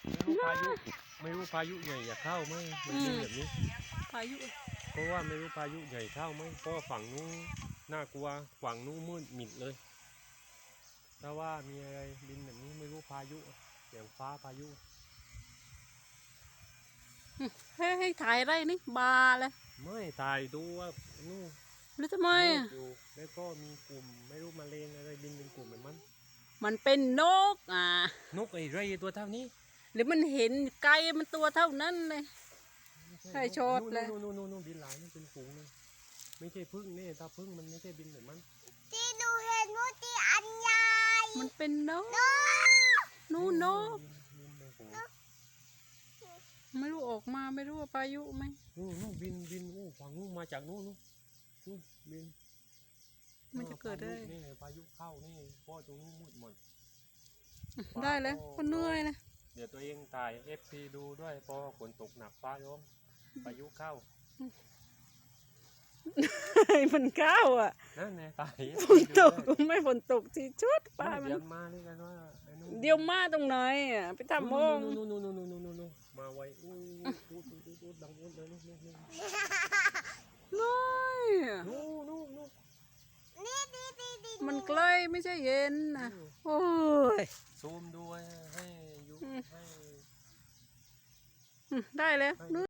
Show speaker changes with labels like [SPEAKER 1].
[SPEAKER 1] ไม่รู้พายุใหญ่จะเข้าไหมมันเป็นแบบนี้
[SPEAKER 2] พายุ
[SPEAKER 1] เพราะว่าไม่รู้พายุใหญ่เข้าไหมเพราะฝั่งนู้นน่ากลัวฝั่งนู้นมืดมิดเลยถ้าว่ามีอะไรบินแบบนี้ไม่รู้พายุเสียงฟ้าพายุ
[SPEAKER 2] ให้ถ่ายไรนี่บาเลย
[SPEAKER 1] ไม่ถ่ายดูว่านู่น
[SPEAKER 2] หรือทำไมอ่ะ
[SPEAKER 1] อยู่แล้วก็มีกลุ่มไม่รู้มาเลงอะไรบินเป็นกลุ่มแบบ
[SPEAKER 2] มันเป็นนก
[SPEAKER 1] นกไอ้ไรตัวเท่านี้
[SPEAKER 2] หรือมันเห็นไกลมันตัวเท่านั้นเลยใช่ชดเลย
[SPEAKER 1] นู่นบินหลายนี่เป็นฝูงเลยไม่ใช่พึ่งนี่ถ้าพึ่งมันไม่ใช่บินแบบมัน
[SPEAKER 3] ที่ดูเห็นมูตีอันใหญ่
[SPEAKER 2] มันเป็นนกนู่นนกไม่รู้ออกมาไม่รู้ว่าพายุไหม
[SPEAKER 1] นู่นบินฝั่งนู่นมาจากนู่นบิน
[SPEAKER 2] มันจะเกิดได้
[SPEAKER 1] นี่พายุเข้านี่พ่อตรงนู้นมืดหมด
[SPEAKER 2] ได้เลยก็เหนื่อยเลย
[SPEAKER 1] เดี๋ยวตัวเองถ่ายFPดูด้วยพอฝนตกหนักฟ้าร้องพายุเข้า
[SPEAKER 2] มันเข้าอ่ะ
[SPEAKER 1] นั่นไงตาย
[SPEAKER 2] ฝนตกไม่ฝนตกที่ชุดป้ามัน
[SPEAKER 1] เดี๋ยวมาเลยกันว่า
[SPEAKER 2] เดี๋ยวมาตรงไหนอ่ะไปทำมอง
[SPEAKER 1] นู่นมาไวอู้ดังอู้เลยนู่น
[SPEAKER 2] น้อยมันใกล้ไม่ใช่เย็นนะโอ้ย
[SPEAKER 1] ซูมดูให้อยู่ให้
[SPEAKER 2] ได้เลย